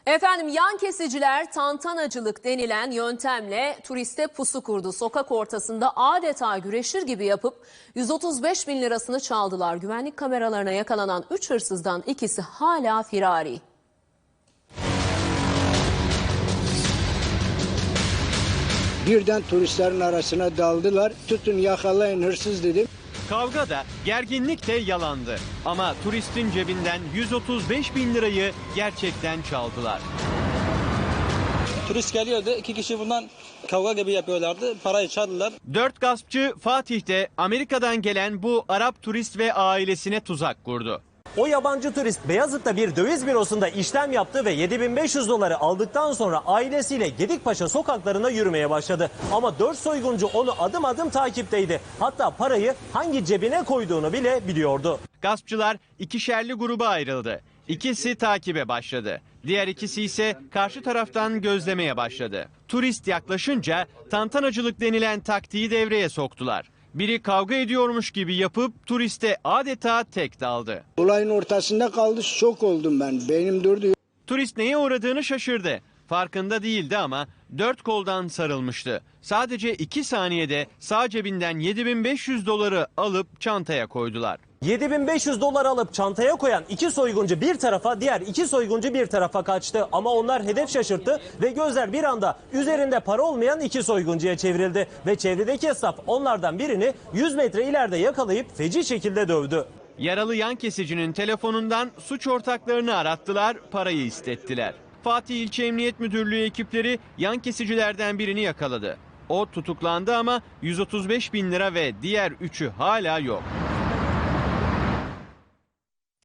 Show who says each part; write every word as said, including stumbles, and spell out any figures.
Speaker 1: Efendim yan kesiciler tantanacılık denilen yöntemle turiste pusu kurdu. Sokak ortasında adeta güreşir gibi yapıp yüz otuz beş bin lirasını çaldılar. Güvenlik kameralarına yakalanan üç hırsızdan ikisi hala firari.
Speaker 2: Birden turistlerin arasına daldılar. Tutun yakalayın hırsız dedim.
Speaker 3: Kavga da gerginlik de yalandı. Ama turistin cebinden yüz otuz beş bin lirayı gerçekten çaldılar.
Speaker 4: Turist geliyordu. İki kişi bundan kavga gibi yapıyorlardı. Parayı çaldılar.
Speaker 3: Dört gaspçı Fatih'te Amerika'dan gelen bu Arap turist ve ailesine tuzak kurdu.
Speaker 5: O yabancı turist Beyazıt'ta bir döviz bürosunda işlem yaptı ve yedi bin beş yüz doları aldıktan sonra ailesiyle Gedikpaşa sokaklarına yürümeye başladı. Ama dört soyguncu onu adım adım takipteydi. Hatta parayı hangi cebine koyduğunu bile biliyordu.
Speaker 3: Gaspçılar ikişerli gruba ayrıldı. İkisi takibe başladı. Diğer ikisi ise karşı taraftan gözlemeye başladı. Turist yaklaşınca tantanacılık denilen taktiği devreye soktular. Biri kavga ediyormuş gibi yapıp turiste adeta tek daldı.
Speaker 2: Olayın ortasında kaldı, şok oldum ben. Beynim durdu.
Speaker 3: Turist neye uğradığını şaşırdı. Farkında değildi ama dört koldan sarılmıştı. Sadece iki saniyede sağ cebinden yedi bin beş yüz doları alıp çantaya koydular.
Speaker 5: yedi bin beş yüz dolar alıp çantaya koyan iki soyguncu bir tarafa, diğer iki soyguncu bir tarafa kaçtı. Ama onlar hedef şaşırttı ve gözler bir anda üzerinde para olmayan iki soyguncuya çevrildi. Ve çevredeki esnaf onlardan birini yüz metre ileride yakalayıp feci şekilde dövdü.
Speaker 3: Yaralı yan kesicinin telefonundan suç ortaklarını arattılar, parayı istettiler. Fatih İlçe Emniyet Müdürlüğü ekipleri yan kesicilerden birini yakaladı. O tutuklandı ama yüz otuz beş bin lira ve diğer üçü hala yok.